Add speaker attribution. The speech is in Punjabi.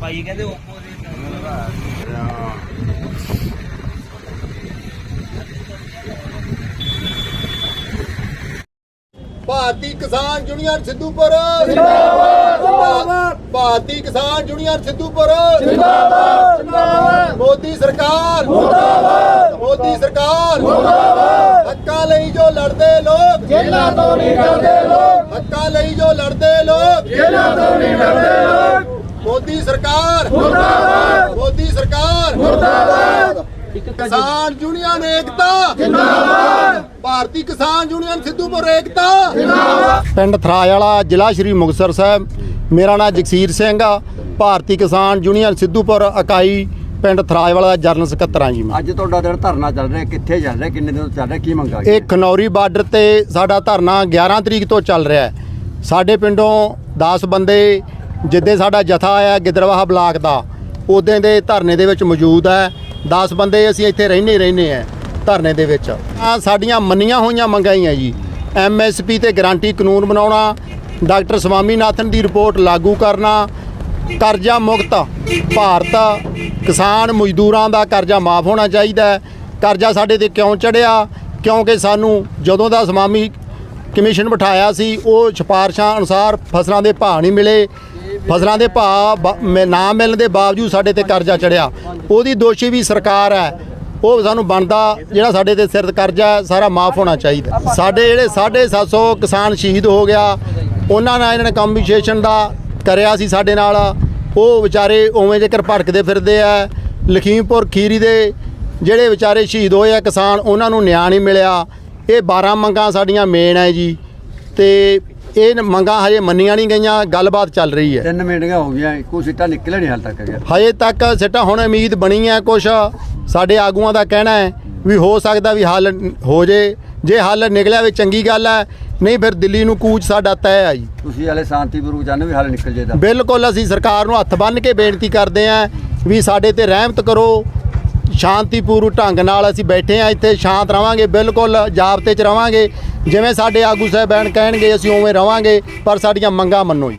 Speaker 1: ਭਾਈ ਕਹਿੰਦੇ
Speaker 2: ਭਾਰਤੀ ਕਿਸਾਨ ਯੂਨੀਅਨ ਸਿੱਧੂਪੁਰ ਜਿੰਦਾਬਾਦ ਜਿੰਦਾਬਾਦ। ਭਾਰਤੀ ਕਿਸਾਨ ਯੂਨੀਅਨ ਸਿੱਧੂਪੁਰ ਜਿੰਦਾਬਾਦ ਜਿੰਦਾਬਾਦ। ਮੋਦੀ ਸਰਕਾਰ ਮੁਰਦਾਬਾਦ। ਮੋਦੀ ਸਰਕਾਰ ਮੁਰਦਾਬਾਦ। ਹੱਕਾਂ ਲਈ ਜੋ ਲੜਦੇ ਲੋਕ ਜੇਲ੍ਹਾਂ ਤੋਂ ਨਹੀਂ ਡਰਦੇ ਲੋਕ। ਹੱਕਾਂ ਲਈ ਜੋ ਲੜਦੇ ਲੋਕ ਜੇਲ੍ਹਾਂ ਤੋਂ ਨਹੀਂ ਡਰਦੇ ਲੋਕ। ਮੋਦੀ ਸਰਕਾਰ ਮੁਰਦਾਬਾਦ। ਮੋਦੀ ਸਰਕਾਰ ਮੁਰਦਾਬਾਦ। ਕਿਸਾਨ ਯੂਨੀਅਨ ਏਕਤਾ ਜਿੰਦਾਬਾਦ। ਭਾਰਤੀ ਕਿਸਾਨ ਯੂਨੀਅਨ ਸਿੱਧੂਪੁਰ ਏਕਤਾ ਜਿੰਦਾਬਾਦ। ਪਿੰਡ ਥਰਾਜ ਵਾਲਾ, ਜ਼ਿਲ੍ਹਾ ਸ਼੍ਰੀ ਮੁਕਤਸਰ ਸਾਹਿਬ। ਮੇਰਾ ਨਾਮ ਜਗਸੀਰ ਸਿੰਘ ਆ। ਭਾਰਤੀ ਕਿਸਾਨ ਯੂਨੀਅਨ ਸਿੱਧੂਪੁਰ ਇਕਾਈ ਪਿੰਡ ਥਰਾਜ ਵਾਲਾ ਦਾ ਜਨਰਲ ਸਕੱਤਰ ਆ ਜੀ ਮੈਂ।
Speaker 3: ਅੱਜ ਤੁਹਾਡਾ ਜਿਹੜਾ ਧਰਨਾ ਚੱਲ ਰਿਹਾ, ਕਿੱਥੇ ਚੱਲ ਰਿਹਾ, ਕਿੰਨੇ ਦਿਨ ਤੋਂ ਚੱਲ ਰਿਹਾ, ਕੀ ਮੰਗਾ?
Speaker 2: ਇਹ ਖਨੌਰੀ ਬਾਰਡਰ ਤੇ ਸਾਡਾ ਧਰਨਾ 11 ਤਰੀਕ ਤੋਂ ਚੱਲ ਰਿਹਾ ਹੈ। ਸਾਡੇ ਪਿੰਡੋਂ 10 ਬੰਦੇ ਜਿੱਦੇ ਸਾਡਾ ਜਥਾ ਆਇਆ ਗਿੱਦੜਵਾਹਾ ਬਲਾਕ ਦਾ, ਉਦੋਂ ਦੇ ਧਰਨੇ ਦੇ ਵਿੱਚ ਮੌਜੂਦ ਹੈ। 10 ਬੰਦੇ ਅਸੀਂ ਇੱਥੇ ਰਹਿੰਦੇ ਆ ਧਰਨੇ ਦੇ ਵਿੱਚ। ਸਾਡੀਆਂ ਮੰਨੀਆਂ ਹੋਈਆਂ ਮੰਗਾਂ ਹੀ ਆ ਜੀ। MSP ਤੇ ਗਾਰੰਟੀ ਕਾਨੂੰਨ ਬਣਾਉਣਾ, ਡਾਕਟਰ ਸਵਾਮੀਨਾਥਨ ਦੀ ਰਿਪੋਰਟ ਲਾਗੂ ਕਰਨਾ, ਕਰਜ਼ਾ ਮੁਕਤ ਭਾਰਤ, ਕਿਸਾਨ ਮਜ਼ਦੂਰਾਂ ਦਾ ਕਰਜ਼ਾ ਮਾਫ ਹੋਣਾ ਚਾਹੀਦਾ। ਕਰਜ਼ਾ ਸਾਡੇ ਤੇ ਕਿਉਂ ਚੜਿਆ? ਕਿਉਂਕਿ ਸਾਨੂੰ ਜਦੋਂ ਦਾ ਸਵਾਮੀ ਕਮਿਸ਼ਨ ਬਿਠਾਇਆ ਸੀ, ਉਹ ਸਿਫਾਰਸ਼ਾਂ ਅਨੁਸਾਰ ਫਸਲਾਂ ਦੇ ਭਾਅ ਨਹੀਂ ਮਿਲੇ। ਫਸਲਾਂ ਦੇ ਭਾਅ ਨਾ ਮਿਲਣ ਦੇ ਬਾਵਜੂਦ ਸਾਡੇ ਤੇ ਕਰਜ਼ਾ ਚੜਿਆ। ਉਹਦੀ ਦੋਸ਼ੀ ਵੀ ਸਰਕਾਰ ਹੈ। ਉਹ ਸਾਨੂੰ ਬਣਦਾ ਜਿਹੜਾ ਸਾਡੇ ਤੇ ਸਿਰ ਕਰਜ਼ਾ ਸਾਰਾ ਮਾਫ ਹੋਣਾ ਚਾਹੀਦਾ। ਸਾਡੇ ਜਿਹੜੇ 750 ਕਿਸਾਨ ਸ਼ਹੀਦ ਹੋ ਗਿਆ, ਉਹਨਾਂ ਨਾਲ ਇਹਨਾਂ ਨੇ ਕੰਪਨਸੇਸ਼ਨ ਦਾ ਕਰਿਆ ਸੀ ਸਾਡੇ ਨਾਲ। ਉਹ ਵਿਚਾਰੇ ਉਵੇਂ ਜੇਕਰ ਭਟਕਦੇ ਫਿਰਦੇ ਆ। ਲਖੀਮਪੁਰ ਖੀਰੀ ਦੇ ਜਿਹੜੇ ਵਿਚਾਰੇ ਸ਼ਹੀਦ ਹੋਏ ਆ ਕਿਸਾਨ, ਉਹਨਾਂ ਨੂੰ ਨਿਆਂ ਨਹੀਂ ਮਿਲਿਆ। ਇਹ 12 ਮੰਗਾਂ ਸਾਡੀਆਂ ਮੇਨ ਹੈ ਜੀ, ਤੇ ਇਹ ਮੰਗਾਂ ਹਜੇ ਮੰਨੀਆਂ ਨਹੀਂ ਗਈਆਂ। ਗੱਲਬਾਤ ਚੱਲ ਰਹੀ ਹੈ।
Speaker 3: 3 ਮੀਟਿੰਗਾਂ ਹੋ ਗਈਆਂ, ਕੋਈ ਸਿੱਟਾ ਨਿਕਲਿਆ ਨਹੀਂ ਹਾਲ ਤੱਕ ਗਿਆ।
Speaker 2: ਹਜੇ ਤੱਕ ਸਿੱਟਾ ਹੁਣ ਉਮੀਦ ਬਣੀ ਹੈ। ਕੁਛ ਸਾਡੇ ਆਗੂਆਂ ਦਾ ਕਹਿਣਾ ਹੈ ਵੀ ਹੋ ਸਕਦਾ ਵੀ ਹੱਲ ਹੋ ਜੇ ਹੱਲ ਨਿਕਲਿਆ ਵੀ ਚੰਗੀ ਗੱਲ ਹੈ, ਨਹੀਂ ਫਿਰ ਦਿੱਲੀ ਨੂੰ ਕੂਚ ਸਾਡਾ ਤੈਅ ਹੈ ਜੀ।
Speaker 3: ਤੁਸੀਂ ਹਾਲੇ ਸ਼ਾਂਤੀਪੂਰਵਕ ਚਾਹੁੰਦੇ ਵੀ ਹੱਲ ਨਿਕਲ ਜਾਏਗਾ?
Speaker 2: ਬਿਲਕੁਲ। ਅਸੀਂ ਸਰਕਾਰ ਨੂੰ ਹੱਥ ਬੰਨ੍ਹ ਕੇ ਬੇਨਤੀ ਕਰਦੇ ਹਾਂ ਵੀ ਸਾਡੇ ਤੇ ਰਹਿਮਤ ਕਰੋ। ਸ਼ਾਂਤੀਪੂਰਵਕ ਢੰਗ ਨਾਲ ਅਸੀਂ ਬੈਠੇ ਹਾਂ ਇੱਥੇ, ਸ਼ਾਂਤ ਰਵਾਂਗੇ, ਬਿਲਕੁਲ ਜਾਬਤੇ 'ਚ ਰਵਾਂਗੇ। ਜਿਵੇਂ ਸਾਡੇ ਆਗੂ ਸਾਹਿਬਾਨ ਕਹਿਣਗੇ ਅਸੀਂ ਉਵੇਂ ਰਵਾਂਗੇ, ਪਰ ਸਾਡੀਆਂ ਮੰਗਾਂ ਮੰਨੋ ਜੀ।